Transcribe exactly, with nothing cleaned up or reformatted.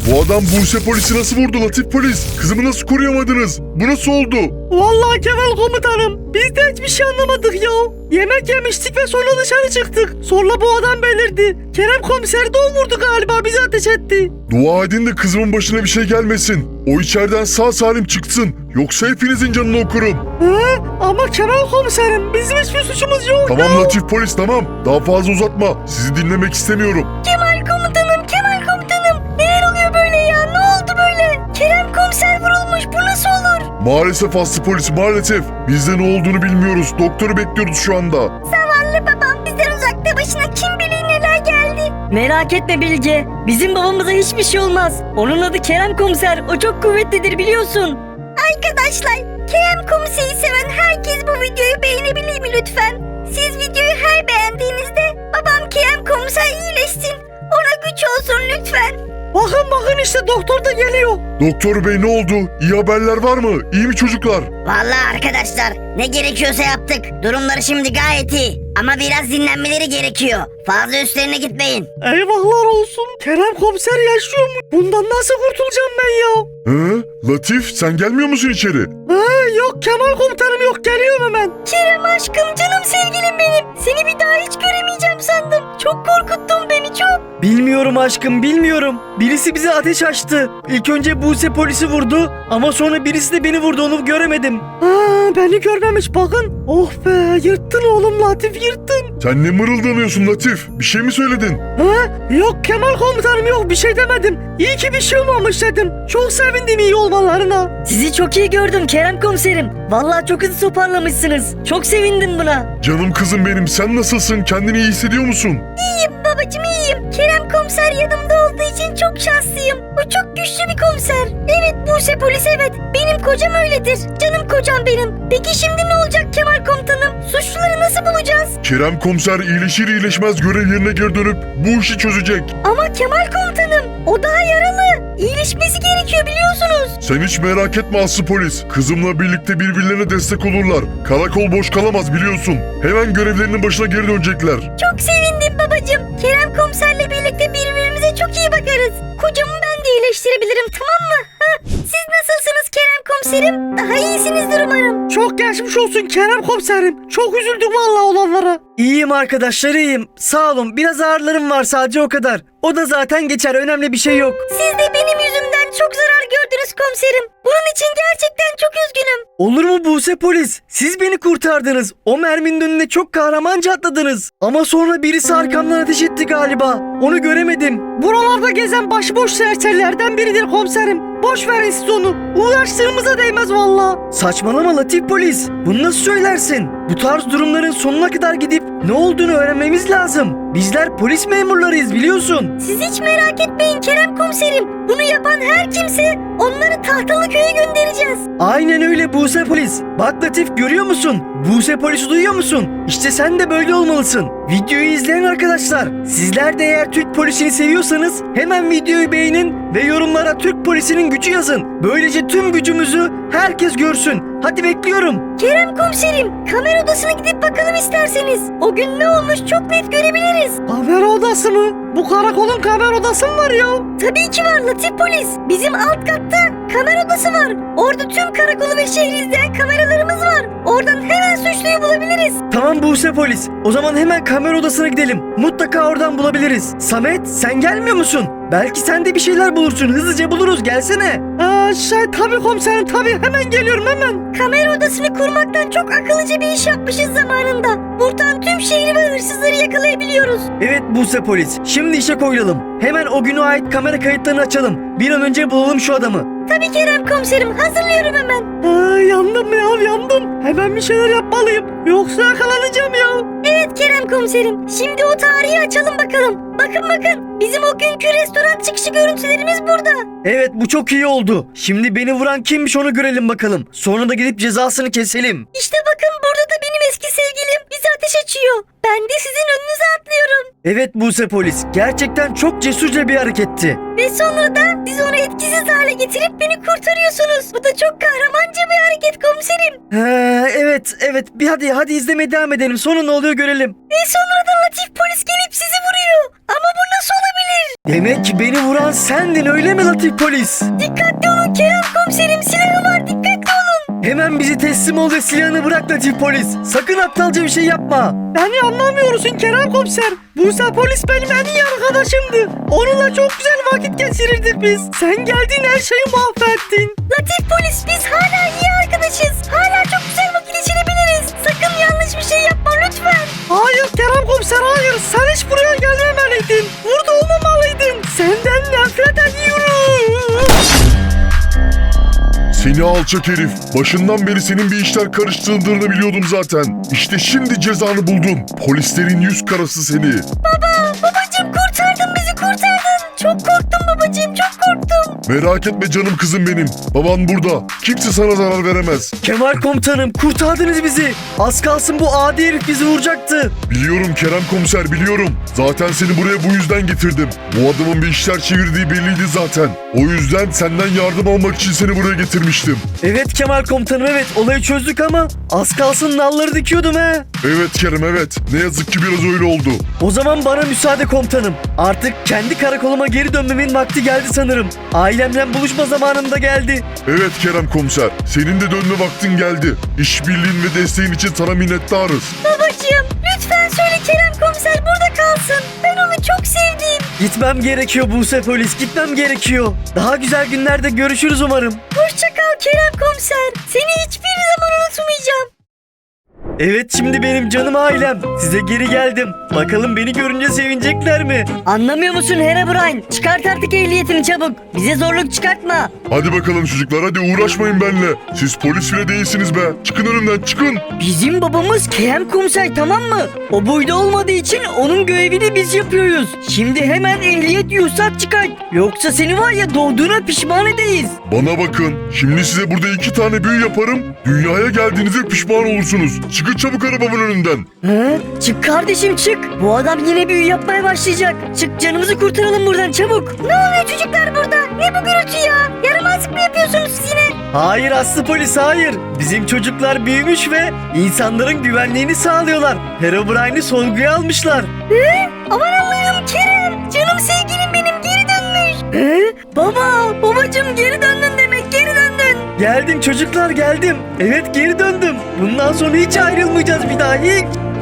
Bu adam Buse polisi nasıl vurdu Latif polis? Kızımı nasıl koruyamadınız? Bu nasıl oldu? Vallahi Kemal komutanım biz de hiçbir şey anlamadık ya. Yemek yemiştik ve sonra dışarı çıktık. Sonra bu adam belirdi. Kerem komiser de o vurdu galiba, bizi ateş etti. Dua edin de kızımın başına bir şey gelmesin. O içeriden sağ salim çıksın. Yoksa hepinizin canını okurum. He? Ama Kemal komiserim bizim hiçbir suçumuz yok Tamam ya. Latif polis tamam. Daha fazla uzatma. Sizi dinlemek istemiyorum. Kemal komutanım, Kemal komutanım. Neler oluyor böyle ya? Ne oldu böyle? Kerem komiser vurulmuş. Bu nasıl olur? Maalesef Aslı polis maalesef. Biz de ne olduğunu bilmiyoruz. Doktoru bekliyoruz şu anda. Zavallı babam bizden uzakta, başına kim bilir neler geldi. Merak etme Bilge. Bizim babamıza hiçbir şey olmaz. Onun adı Kerem Komiser. O çok kuvvetlidir biliyorsun. Arkadaşlar, Kerem komiseri seven herkes bu videoyu beğenebilir mi lütfen? Siz videoyu her beğendiğinizde babam Kerem komiser iyileşsin. Ona güç olsun lütfen. Bakın bakın işte doktor da geliyor. Doktor bey ne oldu? İyi haberler var mı? İyi mi çocuklar? Vallahi arkadaşlar, ne gerekiyorsa yaptık. Durumları şimdi gayet iyi. Ama biraz dinlenmeleri gerekiyor. Fazla üstlerine gitmeyin. Eyvahlar olsun. Kerem komiser yaşıyor mu? Bundan nasıl kurtulacağım ben ya? Hı? Latif sen gelmiyor musun içeri? Ha, yok Kemal komutanım yok, geliyorum hemen. Kerem aşkım, canım sevgilim benim. Seni bir daha hiç göremeyeceğim sandım. Çok korkuttun beni, çok. Bilmiyorum aşkım bilmiyorum. Birisi bize ateş açtı. İlk önce Buse polisi vurdu ama sonra birisi de beni vurdu, onu göremedim. Ha, beni görmemiş bakın. Oh be, yırttın oğlum Latif, yırttın. Sen ne mırıldanıyorsun Latif? Bir şey mi söyledin? Ha, yok Kemal komutanım yok, bir şey demedim. İyi ki bir şey olmamış dedim. Çok sevindim iyi olmalarına. Sizi çok iyi gördüm Kerem Komiserim. Vallahi çok hızlı toparlamışsınız. Çok sevindim buna. Canım kızım benim sen nasılsın? Kendini iyi hissediyor musun? İyiyim babacığım, iyiyim. Kerem komiser yanımda olduğu için çok şanslıyım. O çok güçlü bir komiser. Evet Buse polis, evet. Benim kocam öyledir. Canım kocam benim. Peki şimdi ne olacak Kemal komutanım? Suçluları nasıl bulacağız? Kerem komiser iyileşir iyileşmez görev yerine geri dönüp bu işi çözecek. Ama Kemal komutanım, o daha yaralı. İyileşmesi gerekiyor biliyorsunuz. Sen hiç merak etme Aslı polis. Kızımla birlikte birbirlerine destek olurlar. Karakol boş kalamaz biliyorsun. Hemen görevlerinin başına geri dönecekler. Çok sevindim babacığım. Kerem komiserle birlikte birbirimize çok iyi bakarız. Kocamı ben de iyileştirebilirim, tamam mı? Ha? Siz nasılsınız Kerem komiserim? Daha iyisinizdir umarım. Çok geçmiş olsun Kerem komiserim. Çok üzüldüm vallahi olanlara. İyiyim arkadaşlar, iyiyim. Sağ olun, biraz ağrılarım var sadece, o kadar. O da zaten geçer, önemli bir şey yok. Siz de benim yüzümden çok zarar gördünüz komiserim. Bunun için gerçekten çok üzgünüm. Olur mu Buse polis? Siz beni kurtardınız. O merminin önüne çok kahramanca atladınız. Ama sonra birisi arkamdan ateş etti galiba. Onu göremedim. Buralarda gezen başıboş serserilerden biridir komiserim. Boş verin siz onu. Uğraştığımıza değmez valla. Saçmalama Latif polis. Bunu nasıl söylersin? Bu tarz durumların sonuna kadar gidip ne olduğunu öğrenmemiz lazım. Bizler polis memurlarıyız biliyorsun. Siz hiç merak etmeyin Kerem komiserim. Bunu yapan her kimse onları Tahtalıköy'e göndereceğiz. Aynen öyle Buse polis. Bak Latif, görüyor musun? Buse polisi duyuyor musun? İşte sen de böyle olmalısın. Videoyu izleyen arkadaşlar, sizler de eğer Türk polisini seviyorsanız hemen videoyu beğenin ve yorumlara Türk polisinin gücü yazın. Böylece tüm gücümüzü herkes görsün. Hadi bekliyorum. Kerem komiserim, kamera odasına gidip bakalım isterseniz. O gün ne olmuş çok net görebiliriz. Kamera odası mı? Bu karakolun kamera odası mı var ya? Tabii ki var Latif polis. Bizim alt katta kamera odası var. Orada tüm karakolu ve şehri izleyen kameralarımız var. Oradan hemen suçluyu bulabiliriz. Tamam Buse polis. O zaman hemen kamera odasına gidelim. Mutlaka oradan bulabiliriz. Samet, sen gelmiyor musun? Belki sen de bir şeyler bulursun. Hızlıca buluruz. Gelsene. Aa, şey tabii komiserim tabii. Hemen geliyorum hemen. Kamera odasını kurmaktan çok akıllıca bir iş yapmışız zamanında. Buradan tüm şehri ve hırsızları yakalayabiliyoruz. Evet Buse polis. Şimdi işe koyulalım. Hemen o güne ait kamera kayıtlarını açalım. Bir an önce bulalım şu adamı. Tabii Kerem komiserim, hazırlıyorum hemen. Aa, yandım ya yandım. Hemen bir şeyler yapmalıyım. Yoksa yakalanacağım ya. Evet Kerem komiserim, şimdi o tarihi açalım bakalım. Bakın bakın, bizim o günkü restoran çıkışı görüntülerimiz burada. Evet, bu çok iyi oldu. Şimdi beni vuran kimmiş onu görelim bakalım. Sonra da gidip cezasını keselim. İşte bakın, burada da benim eski sevgilim bizi ateş açıyor. Ben de sizin önünüze atlıyorum. Evet Buse polis, gerçekten çok cesurca bir hareketti. Ve sonra da siz onu etkisiz hale getirip beni kurtarıyorsunuz. Bu da çok kahramanca bir hareket komiserim. Ha, evet evet, bir hadi hadi izlemeye devam edelim, sonra ne oluyor görelim. Ve sonra da Latif polis gelip sizi vuruyor. Ama bu nasıl olabilir? Demek ki beni vuran sendin öyle mi Latif polis? Dikkatli olun Kerem komiserim, silahı var, dikkatli olun. Hemen bizi teslim ol ve silahını bırak Latif polis. Sakın aptalca bir şey yapma. Beni anlamıyorsun Kerem komiser. Buse polis benim en iyi arkadaşımdı. Onunla çok güzel vakit geçirirdik biz. Sen geldin her şeyi mahvettin. Latif polis, biz hala iyi arkadaşız. Hala çok güzel vakit geçirebiliriz. Sakın yanlış bir şey yapma lütfen. Hayır Kerem komiser hayır. Sen hiç buraya gelmemeliydin. Burada olmamalıydın. Senden nefret ediyorum. Seni alçak herif. Başından beri senin bir işler karıştırdığını biliyordum zaten. İşte şimdi cezanı buldun. Polislerin yüz karası seni. Baba, babacığım kurtardın bizi, kurtardın. Çok korktum babacığım, çok korktum. Merak etme canım kızım benim. Baban burada. Kimse sana zarar veremez. Kemal komutanım kurtardınız bizi. Az kalsın bu adi herif bizi vuracaktı. Biliyorum Kerem komiser biliyorum. Zaten seni buraya bu yüzden getirdim. Bu adamın bir işler çevirdiği belliydi zaten. O yüzden senden yardım almak için seni buraya getirmiştim. Evet Kemal komutanım evet, olayı çözdük ama az kalsın nalları dikiyordum he. Evet Kerem evet. Ne yazık ki biraz öyle oldu. O zaman bana müsaade komutanım. Artık kendi karakoluma geri dönmemin vakti geldi sanırım. Ailemle buluşma zamanım da geldi. Evet Kerem komiser. Senin de dönme vaktin geldi. İşbirliğin ve desteğin için sana minnettarız. Babacığım, lütfen söyle Kerem komiser burada kalsın. Ben onu çok sevdim. Gitmem gerekiyor Buse polis, gitmem gerekiyor. Daha güzel günlerde görüşürüz umarım. Hoşça kal Kerem komiser. Seni hiçbir zaman unutmayacağım. Evet şimdi benim canım ailem. Size geri geldim. Bakalım beni görünce sevinecekler mi? Anlamıyor musun Herobrine? Çıkart artık ehliyetini çabuk. Bize zorluk çıkartma. Hadi bakalım çocuklar hadi uğraşmayın benimle. Siz polis bile değilsiniz be. Çıkın önümden çıkın. Bizim babamız Kerem komiser, tamam mı? O boyda olmadığı için onun görevini biz yapıyoruz. Şimdi hemen ehliyet ruhsat çıkart. Yoksa seni var ya doğduğuna pişman edeyiz. Bana bakın. Şimdi size burada iki tane büyü yaparım. Dünyaya geldiğinizde pişman olursunuz. Çıkın çabuk arabamın önünden. He? Çık kardeşim çık. Bu adam yine büyü yapmaya başlayacak. Çık, canımızı kurtaralım buradan çabuk. Ne oluyor çocuklar burada? Ne bu gürültü ya? Yaramazlık mı yapıyorsunuz siz yine? Hayır Aslı polis hayır. Bizim çocuklar büyümüş ve insanların güvenliğini sağlıyorlar. Herobrine'i sorguya almışlar. Hı? Aman Allah'ım Kerem. Canım sevgilim benim geri dönmüş. He? Baba, babacım geri döndün demek, geri döndün. Geldim çocuklar geldim. Evet geri döndüm. Bundan sonra hiç ayrılmayacağız bir daha hiç.